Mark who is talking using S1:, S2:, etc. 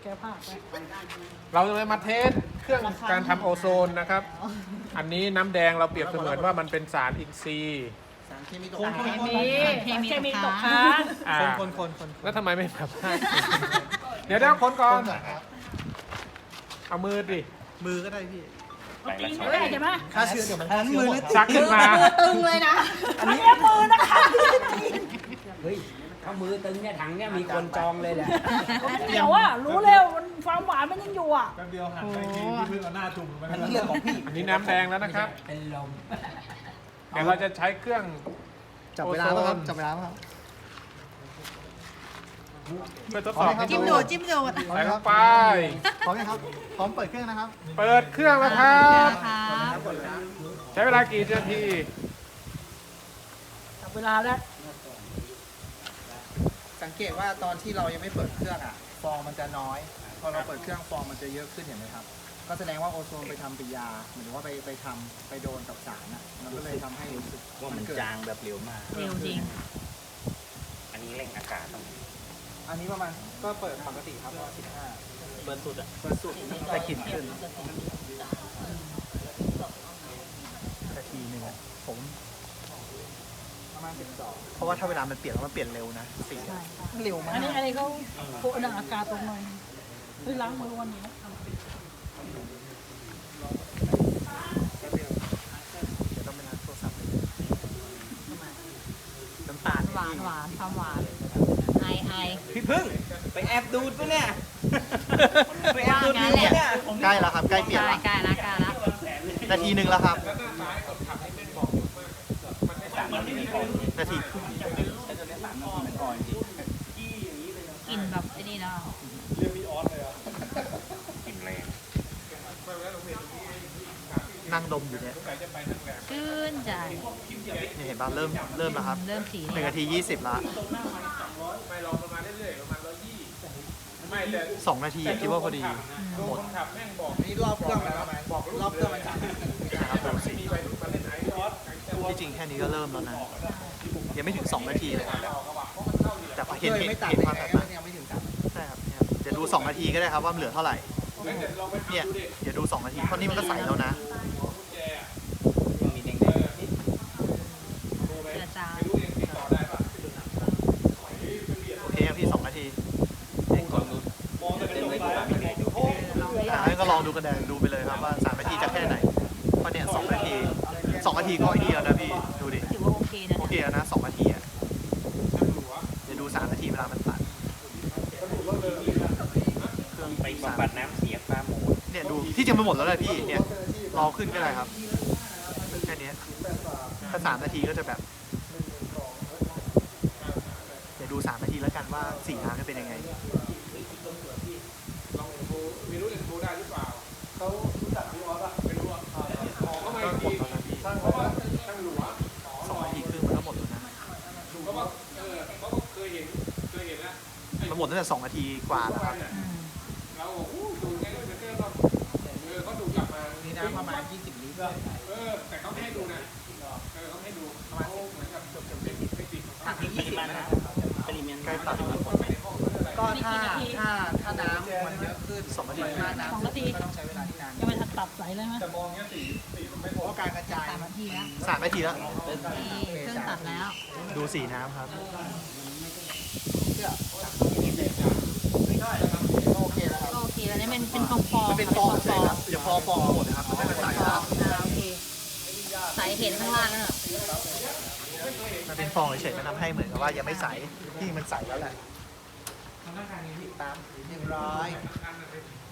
S1: ก้ผ้าไป
S2: เราจะมาเทสเครื่องการทำโอโซนนะครับ อันนี้น้ำแดงเราเปรียบเสมือนว่ามันเป็นสารอินทรีย์
S3: สารเคมีตก
S1: คน
S3: ค้าง
S1: เคมีตกค้าง
S2: อ่า
S3: คน
S2: แล้วทำไมไม่แบบเดี๋ยวคนก่อนเอามือดิ
S3: มือก็ได้พี่
S1: ตีไม่ได้ใช่ไหม
S3: ฆ่าเชื้อเดี๋ยวมันฆ่าเชื้อหมด
S2: ชักขึ้นมา
S1: ตึงเลยนะอันนี้มือนะคะ
S4: เฮ้ยถ้ามือตึงเนี่ยถังเนี่ยมีคนจองเลยแหละ
S1: เดี๋ยวอ่ะรู้เร็วความหวานมันยังอยู่อ่ะ
S5: แป๊บเดียวหันไปทีพี่เพิ่งเอาหน้าจุ่มไป
S3: อันนี้เรื่องของพี่
S2: อันนี้น้ำแดงแล้วนะครับ
S4: เป็นลม
S2: เดี๋ยวเราจะใช้เครื่อง
S3: จับเวลาป่ะครับจับเวลาป่ะครับ
S2: เพื่อทดสอบให้
S6: จิ้ม
S2: ดู
S6: ดูดจิ้มดูด
S2: ใส่ลงไป
S3: พร้อมไหมครับพร้อมเปิดเครื่องนะครับ
S2: เปิดเครื่องแล้วครับ
S6: ครับ
S2: ใช้เวลากี่นาที
S1: จับเวลาแล้ว
S3: สังเกตว่าตอนที่เรายังไม่เปิดเครื่องอ่ะฟองมันจะน้อย พอเราเปิดเครื่องฟองมันจะเยอะขึ้นเห็นไหมครับ ก็แสดงว่าโอโซนไปทำปฏิกิริยาหมายถึงว่าไปโดนกับสารอ่ะมันก็เลยทำให้รู้สึก
S4: ว่ามัน
S3: เกิด
S4: จางแบบเร็วมาก
S6: เร็วจริง
S4: อันนี้เร่งอากาศต้อง
S3: อันนี้ประมาณก็เปิดปกติครับ15
S4: เบิร์นสุดอ่ะ
S3: เปิดสุดแต่ขีดขึ้นนาทีหนึ่งอะผมประมาณ12เพราะว่าถ้าเวลามันเปลี่ยนแล้วมันเปลี่ยนเร็วนะสีอะเร็วมาก
S1: อันนี้เขาโคดังอากาศตรงหน่อยเฮ้ยล้างมือวันนี้นะ
S3: เดี๋ยวต้องไปล้างโทรศัพท์เลยน้ำตาล
S6: หวานหวานความหวานไอ
S4: พี่พึ่งไปแอบดูดปะเนี่ย ไปแอบดูด
S6: ว่างั้
S4: นิ้
S6: น
S4: ว
S6: แหละ
S4: เนี่ย
S3: ใกล้แล้วครับใกล้เปลี่ยนแล้ว
S6: ใกล้ละใกล้ละ
S3: นาทีหนึ่งแล้วครับนาที
S6: กลิ่นแบบไอ้นี่เนาะ
S4: กลิ่นแรง
S3: นั่งดมอยู่เนี่ย
S6: ชื่นใจ
S3: นี่เห็นป่ะเริ่มแล้วครับ
S6: เริ่มสี
S3: หนึ่งนาที20ละ
S2: ไม่ลองประมาณเรื่อยๆประมาณ120ไม่แต่
S3: 2 นาทีคิดว่าพอดี
S2: หมดขับแม่งบอก
S3: นี่รอบเครื่องแล้วรอบเครื่องมันจัดนะครับดูสิ
S2: ไปมาเล่นไอซ์ออส
S3: ที่จริงแค่นี้ก็เริ่มแล้วนะยังไม่ถึง 2 นาทีเลยแต่พอเห็นความแตกต่างใช่ครับเนี่ยเดี๋ยวดู 2 นาทีก็ได้ครับว่ามันเหลือเท่าไหร่เนี่ยเดี๋ยวดู 2 นาทีเพราะนี่มันก็ใสแล้วนะ
S4: มีแดง
S6: เจือจาง
S3: โอเคครับพี่2 นาที
S4: ๆเล่นก่อนดูเล่นไว้ก่อนมีไงดู
S3: ให้ก็ลองดูกันแดงดูไปเลยครับว่า3 นาทีจะแค่ไหนเพราะเนี่ย2 นาที 2 นาทีก็ไอ้นี่แล้วนะพี่ดูดิ
S6: ถือว่าโอเคนะ
S3: โอเคแล้วนะ2 นาทีอ่ะเดี๋ยวดู3 นาทีเวลามันตัดเครื่อง
S4: ไปบำบัดน้ำเสียปลาหมู
S3: เนี่ยดูที่จริงมันหมดแล้วเลยพี่เนี่ยรอขึ้นก็ได้ครับแค่นี้ถ้า3 นาทีก็จะแบบเดี๋ยวดู3 นาทีแล้วกันว่าสีน้ำจะเป็นยังไง
S2: ลองดูไม่รู้จะดูได้หรือเปล่าเขารู้จักพี่ออสอะไม่รู้อะก็ไม่
S3: ก็หม
S2: ดี
S3: ดแล้วนะพี่
S2: ช่างเพราะว่าช่างหลัว
S3: 2 นาทีครึ่งมันก็หมดแล้วนะ
S2: เพราะว่าเขาก็เคยเห็นแล้ว
S3: มันหมดตั้งแต่2 นาทีกว่าแล้วครับ
S6: อืม
S2: เราดูแค่ก็จะก็เขาดูกลับมานี่นะประมาณ20 ลิตรแต่เขาไม่ให้ดูนะเขาไม่ให้ดูเขาเหมือนกับจบไม่ติด
S4: ถังที่20นะปริมาณ
S3: ใกล้ตัดแล้ว
S1: ก็ถ้า
S3: 2
S1: น้
S3: นาที
S1: 2 นาที
S3: ก็ต้องใช้เวลาที่นาน
S1: ยังไม่ทันตัดใสเลยไหม
S2: แต่มองเงี้ยสีมันไม่พ
S3: เพ
S2: อ
S3: ราะการกระจาย
S6: 3 นาทีแล้ว
S3: 3 นาทีแล้ว
S6: นี่เครื่องตัดแล้ว
S3: ดูสีน้ำครับโอเคแล้วครับ
S6: ก็โอเคแล้วนี่เป็นฟองฟอง
S3: มันเป็นฟองเฉยครับเดี๋ยวพอฟองหมดนะครับมันจะเป็นใสแล้ว
S6: โอเคใสเห็นข้างล่างนั่นแหละ
S3: มันเป็นฟองเฉยๆมันทำให้เหมือนกับว่ายังไม่ใสที่มันใสแล้วแหละตาม100